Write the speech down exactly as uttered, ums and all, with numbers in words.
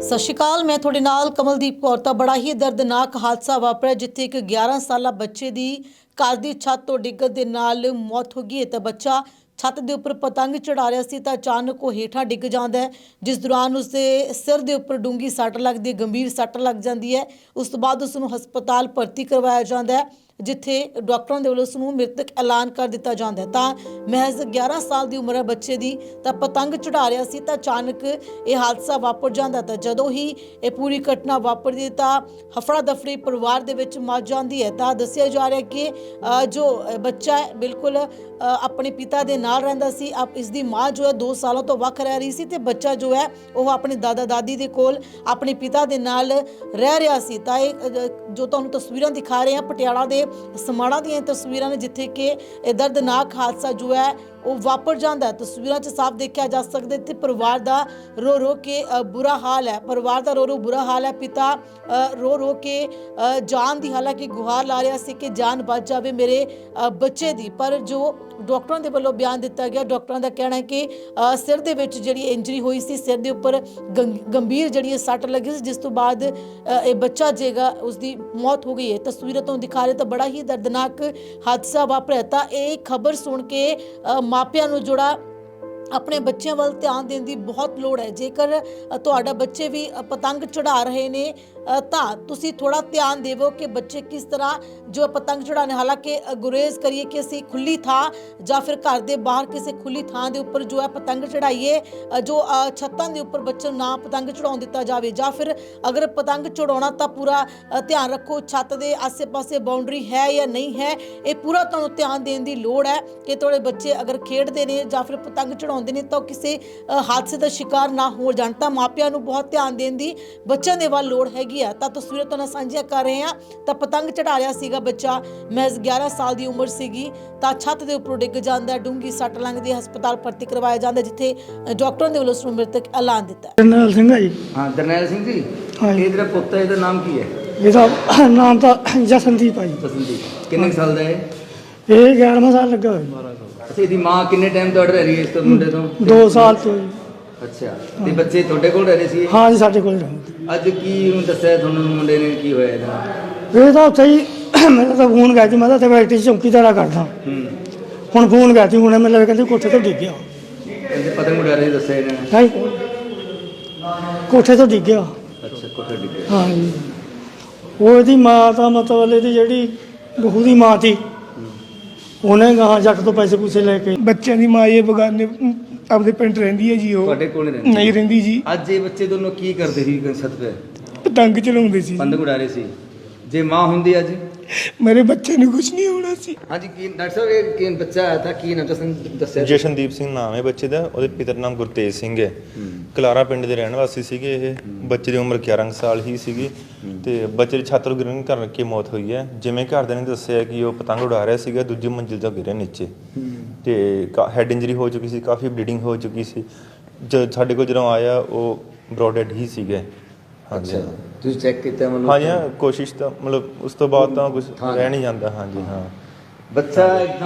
ਸਤਿ ਸ਼੍ਰੀ ਅਕਾਲ, मैं ਤੁਹਾਡੇ ਨਾਲ ਕਮਲਦੀਪ ਕੌਰ। ਤਾਂ ਬੜਾ ਹੀ ਦਰਦਨਾਕ ਹਾਦਸਾ ਵਾਪਰਿਆ ਜਿੱਥੇ ਇੱਕ ਗਿਆਰਾਂ ਸਾਲਾ ਬੱਚੇ ਦੀ ਘਰ ਦੀ ਛੱਤ ਤੋਂ ਡਿੱਗਣ ਦੇ ਨਾਲ ਮੌਤ ਹੋ ਗਈ ਹੈ। ਤਾਂ ਬੱਚਾ ਛੱਤ ਦੇ ਉੱਪਰ ਪਤੰਗ ਚੜਾ ਰਿਹਾ ਸੀ ਤਾਂ ਅਚਾਨਕ ਉਹ ਹੇਠਾਂ ਡਿੱਗ ਜਾਂਦਾ ਹੈ, ਜਿਸ ਦੌਰਾਨ ਉਸਦੇ ਸਿਰ ਦੇ ਉੱਪਰ ਡੂੰਗੀ ਸੱਟ ਲੱਗਦੀ ਹੈ, ਗੰਭੀਰ ਸੱਟ ਲੱਗ ਜਾਂਦੀ ਹੈ। ਉਸ ਤੋਂ ਬਾਅਦ ਉਸ ਨੂੰ ਹਸਪਤਾਲ ਭਰਤੀ ਕਰਵਾਇਆ ਜਾਂਦਾ ਹੈ, ਜਿੱਥੇ ਡਾਕਟਰਾਂ ਦੇ ਵੱਲੋਂ ਉਸ ਨੂੰ ਮ੍ਰਿਤਕ ਐਲਾਨ ਕਰ ਦਿੱਤਾ ਜਾਂਦਾ ਹੈ। ਤਾਂ ਮਹਿਜ਼ ਗਿਆਰਾਂ ਸਾਲ ਦੀ ਉਮਰ ਹੈ ਬੱਚੇ ਦੀ, ਤਾਂ ਪਤੰਗ ਚੜਾ ਰਿਹਾ ਸੀ ਤਾਂ ਅਚਾਨਕ ਇਹ ਹਾਦਸਾ ਵਾਪਰ ਜਾਂਦਾ। ਤਾਂ ਜਦੋਂ ਹੀ ਇਹ ਪੂਰੀ ਘਟਨਾ ਵਾਪਰਦੀ ਤਾਂ ਹਫੜਾ ਦਫੜੀ ਪਰਿਵਾਰ ਦੇ ਵਿੱਚ ਮਚ ਜਾਂਦੀ ਹੈ। ਤਾਂ ਦੱਸਿਆ ਜਾ ਰਿਹਾ ਕਿ ਜੋ ਬੱਚਾ ਹੈ ਬਿਲਕੁਲ ਆਪਣੇ ਪਿਤਾ ਦੇ ਨਾਲ ਰਹਿੰਦਾ ਸੀ। ਆਪ ਇਸ ਦੀ ਮਾਂ ਜੋ ਹੈ ਦੋ ਸਾਲਾਂ ਤੋਂ ਵੱਖ ਰਹਿ ਰਹੀ ਸੀ ਤੇ ਬੱਚਾ ਜੋ ਹੈ ਉਹ ਆਪਣੇ ਦਾਦਾ ਦਾਦੀ ਦੇ ਕੋਲ ਆਪਣੇ ਪਿਤਾ ਦੇ ਨਾਲ ਰਹਿ ਰਿਹਾ ਸੀ। ਤਾਂ ਇਹ ਜੋ ਤੁਹਾਨੂੰ ਤਸਵੀਰਾਂ ਦਿਖਾ ਰਹੇ ਹਾਂ ਪਟਿਆਲਾ ਦੇ ਸਮਾਣਾ ਦੀਆਂ ਤਸਵੀਰਾਂ ਨੇ, ਜਿੱਥੇ ਕਿ ਇਹ ਦਰਦਨਾਕ ਹਾਦਸਾ ਜੋ ਹੈ ਉਹ ਵਾਪਰ ਜਾਂਦਾ ਹੈ। ਤਸਵੀਰਾਂ 'ਚ ਸਾਫ਼ ਦੇਖਿਆ ਜਾ ਸਕਦਾ ਤੇ ਪਰਿਵਾਰ ਦਾ ਰੋ ਰੋ ਕੇ ਬੁਰਾ ਹਾਲ ਹੈ। ਪਰਿਵਾਰ ਦਾ ਰੋ ਰੋ ਬੁਰਾ ਹਾਲ ਹੈ। ਪਿਤਾ ਰੋ ਰੋ ਕੇ ਜਾਨ ਦੀ ਹਾਲਾਂਕਿ ਗੁਹਾਰ ਲਾ ਰਿਹਾ ਸੀ ਕਿ ਜਾਨ ਬਚ ਜਾਵੇ ਮੇਰੇ ਬੱਚੇ ਦੀ, ਪਰ ਜੋ ਡਾਕਟਰਾਂ ਦੇ ਵੱਲੋਂ ਬਿਆਨ ਦਿੱਤਾ ਗਿਆ, ਡਾਕਟਰਾਂ ਦਾ ਕਹਿਣਾ ਹੈ ਕਿ ਸਿਰ ਦੇ ਵਿੱਚ ਜਿਹੜੀ ਇੰਜਰੀ ਹੋਈ ਸੀ, ਸਿਰ ਦੇ ਉੱਪਰ ਗੰਭੀਰ ਜਿਹੜੀ ਸੱਟ ਲੱਗੀ ਸੀ, ਜਿਸ ਤੋਂ ਬਾਅਦ ਇਹ ਬੱਚਾ ਜੇਗਾ ਉਸਦੀ ਮੌਤ ਹੋ ਗਈ ਹੈ। ਤਸਵੀਰਾਂ ਤੋਂ ਦਿਖਾ ਰਹੇ ਤਾਂ ਬੜਾ ਹੀ ਦਰਦਨਾਕ ਹਾਦਸਾ ਵਾਪਰਿਆ। ਤਾਂ ਇਹ ਖਬਰ ਸੁਣ ਕੇ ਮਾਪਿਆਂ ਨੂੰ ਜਿਹੜਾ ਆਪਣੇ ਬੱਚਿਆਂ ਵੱਲ ਧਿਆਨ ਦੇਣ ਦੀ ਬਹੁਤ ਲੋੜ ਹੈ। ਜੇਕਰ ਤੁਹਾਡਾ ਬੱਚੇ ਵੀ ਪਤੰਗ ਚੜਾ ਰਹੇ ਨੇ ਤਾਂ ਤੁਸੀਂ ਥੋੜਾ ਧਿਆਨ ਦੇਵੋ ਕਿ ਬੱਚੇ ਕਿਸ ਤਰ੍ਹਾਂ ਜੋ ਪਤੰਗ ਚੜਾਉਣੇ, ਹਾਲਾਂਕਿ ਗੁਰੇਜ਼ ਕਰੀਏ ਕਿ ਅਸੀਂ ਖੁੱਲੀ ਥਾਂ ਜਾਂ ਫਿਰ ਘਰ ਦੇ ਬਾਹਰ ਕਿਸੇ ਖੁੱਲੀ ਥਾਂ ਦੇ ਉੱਪਰ ਜੋ ਹੈ ਪਤੰਗ ਚੜਾਈਏ, ਜੋ ਛੱਤਾਂ ਦੇ ਉੱਪਰ ਬੱਚੇ ਨੂੰ ਨਾ ਪਤੰਗ ਚੜਾਉਣ ਦਿੱਤਾ ਜਾਵੇ, ਜਾਂ ਫਿਰ ਅਗਰ ਪਤੰਗ ਚੜਾਉਣਾ ਤਾਂ ਪੂਰਾ ਧਿਆਨ ਰੱਖੋ ਛੱਤ ਦੇ ਆਸੇ ਪਾਸੇ ਬਾਉਂਡਰੀ ਹੈ ਜਾਂ ਨਹੀਂ ਹੈ। ਇਹ ਪੂਰਾ ਤੁਹਾਨੂੰ ਧਿਆਨ ਦੇਣ ਦੀ ਲੋੜ ਹੈ ਕਿ ਤੁਹਾਡੇ ਬੱਚੇ ਅਗਰ ਖੇਡਦੇ ਨੇ ਜਾਂ ਫਿਰ ਪਤੰਗ ਚੜਾਉਂਦੇ ਨੇ ਤਾਂ ਕਿਸੇ ਹਾਦਸੇ ਦਾ ਸ਼ਿਕਾਰ ਨਾ ਹੋ ਜਾਣ। ਤਾਂ ਮਾਪਿਆਂ ਨੂੰ ਬਹੁਤ ਧਿਆਨ ਦੇਣ ਦੀ ਬੱਚਿਆਂ ਦੇ ਵੱਲ ਲੋੜ ਹੈਗੀ। ਤਾਂ ਤਸਵੀਰਾਂ ਤੁਹਾਨੂੰ ਸਾਂਝੀਆਂ ਕਰ ਰਹੇ ਹਾਂ। ਤਾਂ ਪਤੰਗ ਚੜਾ ਰਿਹਾ ਸੀਗਾ ਬੱਚਾ, ਮਹਿਜ਼ ਗਿਆਰਾਂ ਸਾਲ ਦੀ ਉਮਰ ਸੀਗੀ, ਤਾਂ ਛੱਤ ਦੇ ਉੱਪਰੋਂ ਡਿੱਗ ਜਾਂਦਾ, ਡੂੰਗੀ ਸੱਟ ਲੱਗਦੀ, ਹਸਪਤਾਲ ਭਰਤੀ ਕਰਵਾਇਆ ਜਾਂਦਾ, ਜਿੱਥੇ ਡਾਕਟਰਾਂ ਦੇ ਵੱਲੋਂ ਉਸ ਨੂੰ ਮ੍ਰਿਤਕ ਐਲਾਨ ਦਿੱਤਾ। ਜਰਨੈਲ ਸਿੰਘ ਹੈ ਜੀ। ਹਾਂ ਜਰਨੈਲ ਸਿੰਘ ਜੀ, ਇਹ ਜਿਹੜਾ ਪੁੱਤ ਹੈ ਇਹਦਾ ਨਾਮ ਕੀ ਹੈ? ਇਹਦਾ ਨਾਮ ਤਾਂ ਜਸਨਦੀਪ ਹੈ ਜੀ। ਜਸਨਦੀਪ ਕਿੰਨੇ ਸਾਲ ਦਾ ਹੈ? ਇਹ ਗਿਆਰਵਾਂ ਸਾਲ ਲੱਗਾ ਹੋਇਆ। ਅੱਛਾ, ਇਹਦੀ ਮਾਂ ਕਿੰਨੇ ਟਾਈਮ ਤੋਂ ਰਹਿ ਰਹੀ ਹੈ ਇਸ ਤੋਂ ਮੁੰਡੇ ਤੋਂ? ਦੋ ਸਾਲ ਤੋਂ ਜੀ। ਅੱਛਾ, ਤੇ ਬੱਚੇ ਤੁਹਾਡੇ ਕੋਲ ਰਹਿ ਰਹੇ ਸੀ? ਹਾਂ ਜੀ, ਸਾਡੇ ਕੋਲ ਰਹਿੰਦੇ। ਅੱਜ ਕੀ ਉਹਨੂੰ ਦੱਸਿਆ ਤੁਹਾਨੂੰ ਮੁੰਡੇ ਨੇ ਕੀ ਹੋਇਆ ਇਹਦਾ? ਇਹ ਤਾਂ ਉੱਥੇ ਹੀ ਮੇਰਾ ਤਾਂ ਫੋਨ ਗਿਆ ਸੀ, ਮੈਂ ਤਾਂ ਇੱਥੇ ਫੈਕਟਰੀ 'ਚ ਚੌਂਕੀਦਾਰਾ ਕਰਦਾ। ਹੂੰ, ਹੁਣ ਫੋਨ ਗਿਆ ਸੀ, ਹੁਣ ਮੈਨੂੰ ਕਹਿੰਦੇ ਕੋਠੇ ਤੋਂ ਡਿੱਗ ਗਿਆ। ਕਹਿੰਦੇ ਪਤੰਗ ਉਡਾ ਰਹੇ ਦੱਸਿਆ ਇਹਨਾਂ ਨੇ? ਹਾਂ, ਕੋਠੇ ਤੋਂ ਡਿੱਗ ਗਿਆ। ਅੱਛਾ, ਕੋਠੇ ਡਿੱਗ ਗਿਆ। ਹਾਂ ਜੀ, ਉਹ ਇਹਦੀ ਮਾਂ ਤਾਂ ਮਤਲਬ ਇਹਦੀ ਜਿਹੜੀ ਬਹੂ ਦੀ ਮਾਂ ਸੀ, ਉਹਨੇ ਗਾਹਾਂ ਜੱਟ ਤੋਂ ਪੈਸੇ ਪੂਸੇ ਲੈ ਕੇ ਬੱਚਿਆਂ ਦੀ ਮਾਂ ਇਹ ਬਗਾਨੇ ਆਪਦੇ ਪਿੰਡ ਰਹਿੰਦੀ ਹੈ ਜੀ। ਉਹ ਤੁਹਾਡੇ ਕੋਲ ਰਹਿੰਦੀ? ਨਹੀਂ ਰਹਿੰਦੀ ਜੀ। ਅੱਜ ਇਹ ਬੱਚੇ ਦੋਨੋਂ ਕੀ ਕਰਦੇ ਸੀ ਛੱਤ ਤੇ? ਪਤੰਗ ਚਲਾਉਂਦੇ ਸੀ, ਪਤੰਗ ਉਡਾ ਰਹੇ ਸੀ। ਜੇ ਮਾਂ ਹੁੰਦੀ ਅੱਜ ਮੇਰੇ ਬੱਚੇ ਨੂੰ ਕੁਝ ਨਹੀਂ ਹੋਣਾ ਸੀ। ਹਾਂਜੀ, ਕੀ ਡਾਕਟਰ ਸਾਹਿਬ ਇਹ ਕੀ ਬੱਚਾ ਆਇਆ ਤਾਂ ਕੀ ਨਾਮ ਤੁਸੀਂ ਦੱਸਿਆ? ਜਸ਼ਨਦੀਪ ਸਿੰਘ ਨਾਮ ਹੈ ਬੱਚੇ ਦਾ। ਉਹਦੇ ਪਿਤਾ ਦਾ ਨਾਮ ਗੁਰਤੇਜ ਸਿੰਘ ਹੈ। ਕਲਾਰਾ ਪਿੰਡ ਦੇ ਰਹਿਣ ਵਾਸੀ ਸੀਗੇ। ਇਹ ਬੱਚੇ ਦੀ ਉਮਰ ਗਿਆਰਾਂ ਸਾਲ ਹੀ ਸੀਗੀ ਤੇ ਬੱਚੇ ਦੀ ਛੱਤ ਤੋਂ ਗਿਰਨ ਕਰਕੇ ਮੌਤ ਹੋਈ ਹੈ। ਜਿਵੇਂ ਘਰਦਿਆਂ ਨੇ ਦੱਸਿਆ ਕਿ ਉਹ ਪਤੰਗ ਉਡਾ ਰਿਹਾ ਸੀਗਾ, ਦੂਜੀ ਮੰਜ਼ਿਲ ਤੋਂ ਗਿਰਿਆ ਨੀਚੇ ਤੇ ਹੈਡ ਇੰਜਰੀ ਹੋ ਚੁੱਕੀ ਸੀ, ਕਾਫੀ ਬਲੀਡਿੰਗ ਹੋ ਚੁੱਕੀ ਸੀ। ਜਦ ਸਾਡੇ ਕੋਲ ਜਦੋਂ ਆਇਆ ਉਹ ਬਰੋਡ ਡੈਡ ਹੀ ਸੀਗੇ। ਹਾਂਜੀ, ਤੁਸੀਂ ਚੈੱਕ ਕੀਤਾ ਮਤਲਬ? ਹਾਂਜੀ ਹਾਂ, ਕੋਸ਼ਿਸ਼ ਤਾਂ ਮਤਲਬ ਉਸ ਤੋਂ ਬਾਅਦ ਤਾਂ ਕੁਝ ਰਹਿ ਨਹੀਂ ਜਾਂਦਾ। ਹਾਂਜੀ ਹਾਂ, ਬੱਚਾ